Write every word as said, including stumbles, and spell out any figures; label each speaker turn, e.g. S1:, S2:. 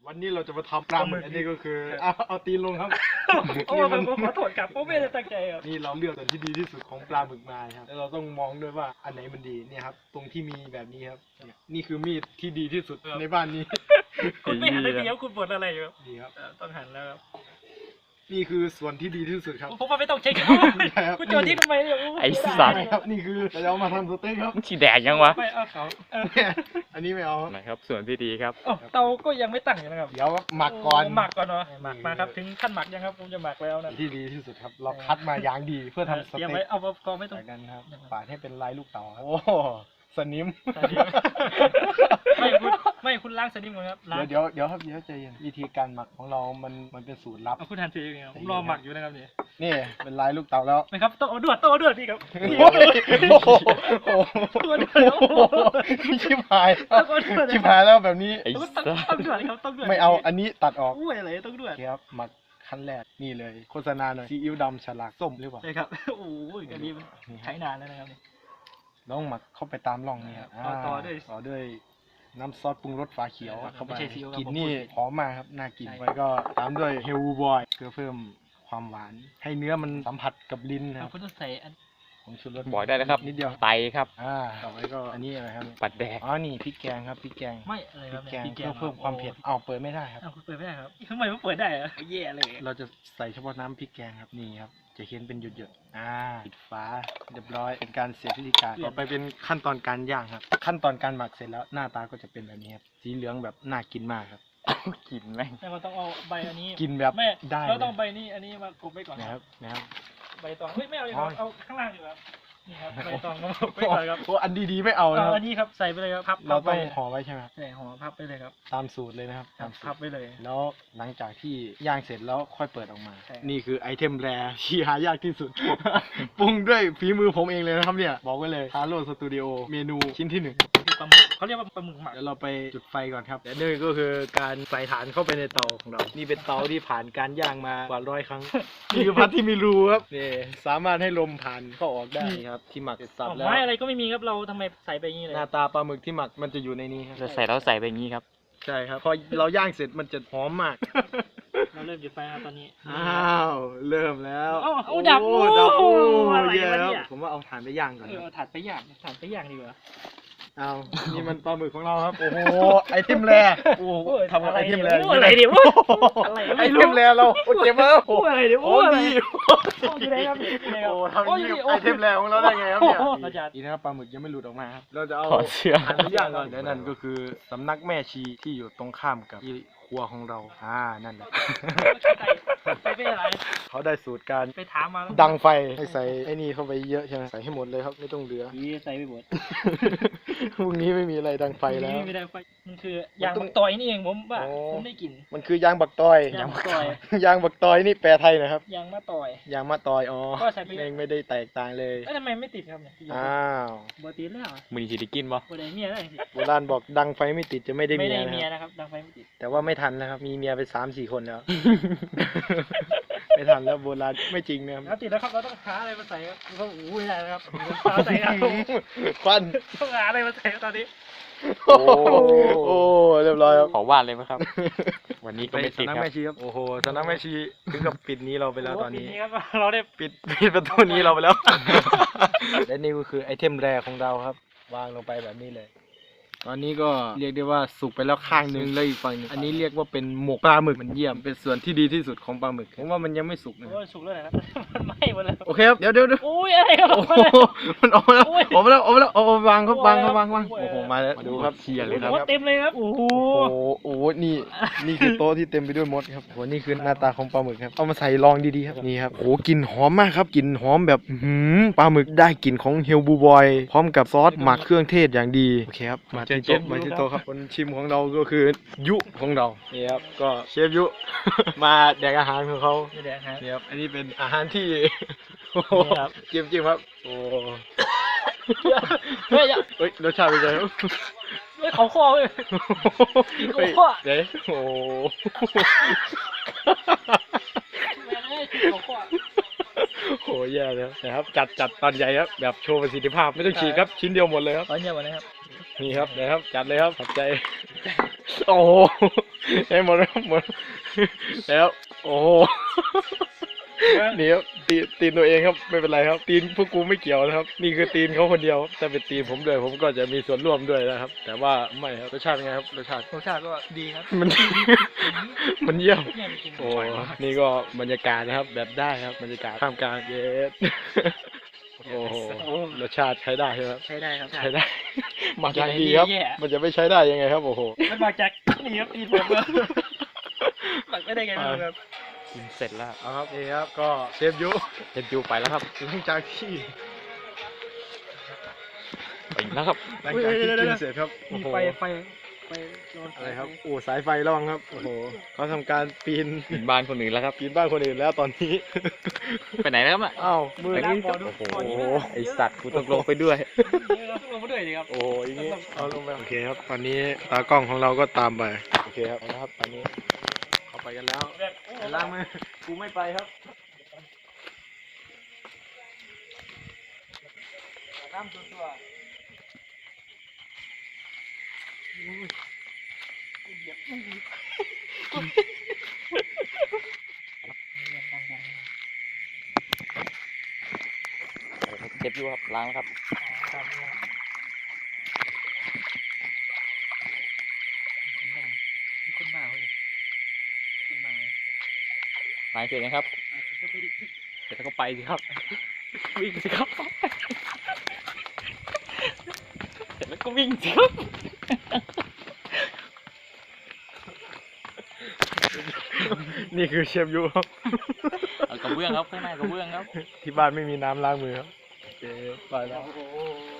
S1: วันนี้เราจะมาทำปลาหมึกอันนี้ก็คือเอาเอาตีนลงครับ
S2: โอ้ผมขอโทษครับผมไม่ได้ตั้งใจครับ
S1: นี่เราเลือกส่วนที่ดีที่สุดของปลาหมึกมาครับแล้วเราต้องมองด้วยว่าอันไหนมันดีเนี่ยครับตรงที่มีแบบนี้ครับนี่คือมีดที่ดีที่สุดในบ้านนี้
S2: คุณไม่หันเลยเดียวคุณบ่นอะไรอยู่ครับ
S1: ดีครับ
S2: ต้องหันแล้วครับ
S1: นี่คือส่วนที่ดีที่สุดครับ
S2: ผมว่าไม่ต้องเช็คคุณโจทย์ที่ทำไมเนี่ย
S3: ไอ้สัตว์
S1: ครับนี่คือเราเอามาทำสเต็กครับ
S3: มึงฉีดแดกยังวะ
S2: ไม่เอาเขา
S1: อันนี้ไม่เอา
S3: ไหนครับส่วนที่ดีครับ
S2: เตาก็ยังไม่ตั้งอยู่นะครับ
S1: เดี๋ยวหมักก่อน
S2: หมักก่อนเนาะหมักมาครับถึงขั้นหมักยังครับผมจะหมักแล้วนะ
S1: ที่ดีที่สุดครับ เราคัดมาอย่างดีเพื่อทำส
S2: เตรียม
S1: เต็
S2: ไว้
S1: ก
S2: เอากองไม่ต้อง
S1: จากนั้นครับปาดให้เป็นลายลูกเต๋าครับโอ้สนิม
S2: ไม่คุณไม่คุณล้างสนิมก่อนครับล้าง
S1: เดี๋ยวเดี๋ยวเดี๋ยวครับเดี๋ยวใจเย็นวิธีการหมักของเรามันมันเป็นสูตรลับ
S2: เอาคุณทันทีอย่างเงี้ยผมรอหมักอยู่นะครับนี่
S1: นี่เป็นลายลูกเต๋าแล้ว
S2: นะครับต้องเอาดวดต้องเอาดวดพี่ครับ
S1: โอ้โห
S2: ดวดเดี๋ยว
S1: ชิบหายชิบหายแล้วแบบนี้
S3: ไอ้
S2: ต้อง
S3: สัตว์
S2: ต้องดวดครับต้องดวด
S1: ไม่เอาอันนี้ตัดออก
S2: อุ้ยอะไรต้องดวด
S1: โอเคครับหมักขั้นแรกนี่เลยโฆษณาหน่อยซีอิ๊วดำฉลากส้มหรือเปล่า
S2: ใช่ครับโอ้ยอันนี้ใช้นานแล้วนะครับ
S1: ต้องหมักเข้าไปตามร่องนี่ครับ
S2: ต่อต่อด้วย
S1: ต่อด้วยน้ำซอสปรุงรสฝาเขียว
S2: ใช่ครับ
S1: เข้าไป
S2: ไม่ใช่ซีอิ๊วครับ
S1: กลิ่น
S2: ผม
S1: นี่
S2: พูดผิด
S1: หอมมากครับน่ากิน
S2: ใช่
S1: ไปก็ตามด้วยเฮลบอยเพื่อเพิ่มความหวาน ให้เนื้อมันสัมผัสกับลิ้นนะค
S2: เอา
S1: รับ
S2: คุณต้องใส่อัน
S1: ของชูรส
S3: บอกได้เลยครับ
S1: นิดเดียว
S3: ไตครับ
S1: อ่าต่อไปก็อันนี้อะไรครับ
S3: ปัดแดก
S1: อ๋อนี่พริกแกงครับพริกแกง
S2: ไม่อะไร
S1: พ
S2: ค
S1: ริ
S2: รับ
S1: กแกง
S2: พริก
S1: เพื่อเพิ่มความเผ็ดอ้าวเปิดไม่ได้ครับ
S2: อ้าวคุณเปิดไม่ได้ครับทำไมไม่เปิดได้อะแย่เลย
S1: เราจะใส่เฉพาะน้ำพริกแกงครับนี่ครับจะเห็นเป็นหยดๆอ่าปิดฝาเรียบร้อยเป็นการเสร็จพิธีการต่อไปเป็นขั้นตอนการย่างครับ ขั้นตอนการหมักเสร็จแล้วหน้าตาก็จะเป็นแบบนี้ครับสีเหลืองแบบน่ากินมากครับ
S3: กินแม่ง
S2: แต่เราต้องเอาใบอันนี้
S1: กินแบบ
S2: แม่
S1: ได้
S2: เราต้อง
S1: เลย
S2: ใบนี้อันนี้มากบไว้ก่อน
S1: นะครับนะครับ
S2: ใบตองเฮ้ยไม่เอาเลยค
S1: อ๋
S2: รั
S1: อ
S2: บเอาข้างล่างดีกว่านี่ครับใบตองมากบไว้ก่อนครับ
S1: โอ้อันดีๆไม่เอานะค
S2: เอา
S1: รับ
S2: อันนี้ครับใส่ไปเลยครับพับ
S1: เราต้อง
S2: พับไป
S1: ห่อไว้ใช่ไหมครับ
S2: ใช่ห่อพับไปเลยครับ
S1: ตามสูตรเลยนะครับ
S2: ครั
S1: ตา
S2: บ
S1: มสู
S2: พั
S1: ต
S2: บ
S1: ร
S2: ไปเลย
S1: แล้วหลังจากที่ย่างเสร็จแล้วค่อยเปิดออกมา
S2: ใช่
S1: นี่คือไอเทมแรร์ที่หายากที่สุด ปรุงด้วยฝีมือผมเองเลยนะครับเนี่ยบอกไว้เลยฮาโลสตูดิโอเมนูชิ้นที่หนึ่ง
S2: คือปลาหมึกเขาเรียกว่าปลาหมึกหมัก
S1: เดี๋ยวเราไปจุดไฟก่อนครับและนี่ก็คือการใส่ฐานเข้าไปในเตาของเรา นี่เป็นเตาที่ผ่านการย่างมากว่าร้อยครั้ง นี่คือพัดที่มีรูครับนี่สามารถให้ลมผ่านเข้าออกได้ครับที่หมักเสร็จสับแล้ว
S2: ไม้อะไรก็ไม่มีครับเราทำไมใส่ไปอย่างนี้เลย
S1: หน้าตาปลาหมึกที่หมักมันจะอยู่ในนี้ครับ
S3: จะใส่แล้วใส่ไปอย่างนี้ครับ
S1: ใช่ครับพอเราย่างเสร็จมันจะหอมมาก
S2: เราเริ่มจุดไฟแล้วตอนนี้
S1: อ้าวเริ่มแล้ว
S2: เอาเอาดับ
S1: โอ้ดับโอ้
S2: อะไร
S1: แย่
S2: วะ
S1: แล้ว
S2: เนี่ย
S1: ผมว่าเอาถ่านไปย่างก่อน
S2: เออ
S1: ครับ
S2: เอาถ่านไปย่างถ่านไปย่างดีกว่า
S1: เอานี่มันปลาหมึกของเราครับโอ้โหไอเทมแรโอ้โหทำอะไรไอเทมแร
S2: อะไรเดี๋ยวอะไร
S1: ไอเทมแรเราโอ้เจ็บแล้ว
S2: โอ้อะไรเดี๋ยว
S1: โอ้
S2: โอ้อะไร
S1: ดี
S2: อยู่ไหนครับอยู่ไหนครับ
S1: โอ้ทำอย่างนี้กับไอเทมแรของเราได้ไงครับเนี่ย
S2: เราจะ
S1: ดีนะครับปลาหมึกยังไม่หลุดออกมาครับเราจะเอา
S3: ถอดเสื้อ
S1: ถ่านไปย่างก่อนและนั่นก็คือสำนักแม่ชีที่อยู่ตรงข้ามกับที่ครัวของเราอ่านั่นแหละ
S2: ไปไปอะไร
S1: เขาได้สูตรการ
S2: ไปถามมา
S1: ดังไฟให้ใส่ไอ้นี่เข้าไปเยอะใช่ไหมใส่ให้หมดเลยครับไม่ต้องเหลือ
S2: นี่ใส่ไปหมด
S1: พรุ่งนี้ไม่มีอะไรดังไฟแล้ว
S2: ไม่ได้ไฟมันคือยางบักตอยนี่เองผมว่า
S1: โอ้
S2: ผมได้กลิ่น
S1: มันคือยางบักตอย
S2: ยางบักตอย
S1: ยางบักตอยนี่แปลไทยนะครับ
S2: ยางมะตอย
S1: ยางมะตอยอ๋อ
S2: ก็ใส่ไป
S1: เองไม่ได้แตกต่างเลย
S2: เอ้ยทำไมไม่ติดครับเนี่ย
S1: อ้าว
S2: บอติดแล้ว
S3: มือนี้สิได้กินบ่
S2: บอได้เมียได้สิ
S1: โบราณบอกดังไฟไม่ติดจะไม่ได้
S2: ไม่
S1: เมีย
S2: ได้
S1: นะ
S2: เมีย
S1: ครับ
S2: นะครับดังไฟไม่ติด
S1: แต่ว่าไม่ทันนะครับมีเมียไปสามสี่คนแล้ว ไม่ทันแล้วโบราณไม่จริงนะครับ
S2: แล้วติดแล้วครับเราต้องหาอะไรมาใส่ครับเราต้องอู้ไม่ได้นะครับหาใส่ครับ
S1: ควัน
S2: ต้องหาอะไรมาใส่ครับตอนนี้
S1: โอ้โอ้เรียบร้อยครับ
S3: ขอวาดเลยไหมครับ วันนี้ก็ไม่ติด
S1: สำนัก
S3: ครับ
S1: แม่ชีครับโอ้โหสำนักแม่ชีถึงกับปิดนี้เราไปแล้วตอนนี้
S2: โโหปีครับเราได้
S1: ปิดปิดประตูนี้เราไปแล้ว และนี่ก็คือไอเทมแรกของเราครับ วางลงไปแบบนี้เลย ตอนนี้ก็เรียกได้ว่าสุกไปแล้วข้างหนึงแล้วอีกฝั่งหนึงอันนี้เรียกว่าเป็นหมกปลาหมึกมันเยี่ยมเป็นส่วนที่ดีที่สุดของปลาหมึกผมว่ามันยังไม่สุกนะ
S2: โอ้ยสุกแล้วนะครับมันไหม้หมดแล้ว
S1: โอเคครับเดี๋ยวเดี๋ยวเดี๋ยว
S2: โอ้ยอะไรครับ
S1: โอ้โหมันออกมาแล้ว
S2: โอ้ย
S1: ออกมาแล้วออกมาแล้วเอาเอาวางครับวางครับวางวาง
S2: โอ้ย
S1: โอ้โหมาแล้วมาดูครับ
S3: เชียร์เลยครับ
S2: โอ้เต็มเลยครับโอ้โห
S1: โอ้โหโอ้โหนี่นี่คือโต๊ะที่เต็มไปด้วยมดครับโอ้โหนี่คือหน้าตาของปลาหมึกครับเอามาใส่รองดีๆครับนี่ครับโอ้โหกลิ่นหอมมากครับกลิ่นหอมแบบอื้อหือปลาหมึกได้กลิ่นของเฮลบูบอยพร้อมกับซอสหมักเครื่องเทศอย่างดีโอเคครับมาที่โต๊ะมาที่โต๊ะครับคนชิมของเราก็คือยุของเรานี่ครับก็เชฟยุ มาแดกอาหารของเขา
S2: ไม่ได้ฮะ
S1: นี่ครับอันนี้เป็นอาหารที่ โอ้โห
S2: นี่ครับ
S1: จิ้มจิ้มครับโอ้
S2: เฮ้ยอย่า
S1: เฮ้ยรสชาติเป็นไงครับ
S2: เฮ้ยเขาคอเลย
S1: เฮ้ย
S2: โอ้โห
S1: เดี๋ยวโอ้
S2: แม่งเอ้ยเขาคอ
S1: โหแย่แล้วนะครับจัดจัดตอนใหญ่ครับแบบโชว์ประสิทธิภาพไม่ต้องฉีกครับชิ้นเดียวหมดเลยครับ
S2: ตอนเนี้ยวันนี้ครับ
S1: นี่ครับนะครับจัดเลยครับขอบใจโอ้โหให้หมดแล้วหมดแล้วโอ้โหนี่ครับตีนตีนตัวเองครับไม่เป็นไรครับ ตีนพวกกูไม่เกี่ยวนะครับ นี่คือตีนเขาคนเดียวแต่เป็นตีนผมด้วยผมก็จะมีส่วนร่วมด้วยนะครับ แต่ว่าไม่ครับรสชาติไงครับรสชาติ
S2: รสชาติก็ดีครับ
S1: มัน มันเยี่ยม
S2: เนี่ยไปกิน
S1: โอ้นี่ก็บรรยากาศนะครับ แบบได้ครับบรรยากาศท่ามกลางเยสโอ้โหรสชาติใช้ได้ใช่ไหมครับ
S2: ใช้ได้ครับ
S1: ใช้ได้ มาจากดีครับ
S2: แย่
S1: มันจะไม่ใช้ได้ยังไงครับโอ้โห
S2: มันมาจากนี่ครับตีนผมครับหมักไม่ได้ไงไม่รู้ครับ
S3: กินเสร็จแล้ว
S1: เอาครับนี่ครับก็เชฟยุ
S3: เสร็จอยู่ไปแล้วครับ
S1: หลังจากที่
S3: ไปแล้วครับ
S1: หลังจากที่กินเสร็จครับโอ้
S2: มี
S1: โห
S2: ไฟไฟไฟ
S1: อะไรครับโอ้สายไฟระวังครับโอ้โหเขาทำการปีน
S3: กินบ้านคนอื่นแล้วครับ
S1: ปีนบ้านคนอื่นแล้วตอนนี้
S3: ไปไหนแล้วครับน่ะ
S1: อ้าวมือ
S2: ไป
S1: นี่
S2: ล้างบ่อดู
S3: โอ้โห
S2: บ่อนี้
S3: ไอสัตว์กูต้องลงไปด้วย
S2: ลงมาด้วยดิครับ
S1: โอ้โหอย่างนี้เอาลงไปโอเคครับตอนนี้ตากล้องของเราก็ตามไปโอเคครับนะครับตอนนี้เขาไปกันแล้วไปล้างมือกูไม่ไปครับ
S2: น้ำตัวตัว
S3: เจ็บอยู่ครับล้างแล้วครับ
S2: คนมาเลยคนมา
S3: ล้างเสร็จนะครับเสร็จแล้วก็ไปสิครับ วิ่งสิครับเสร็จแล้วก็วิ่งสิครับ
S1: นี่คือเชฟยูครับ
S3: เอากระเบื้องครับข้างหน้ากระเบื้องครับ
S1: ที่บ้านไม่มีน้ำล้างมือครับโอเคไปแล้ว
S2: โอ้โห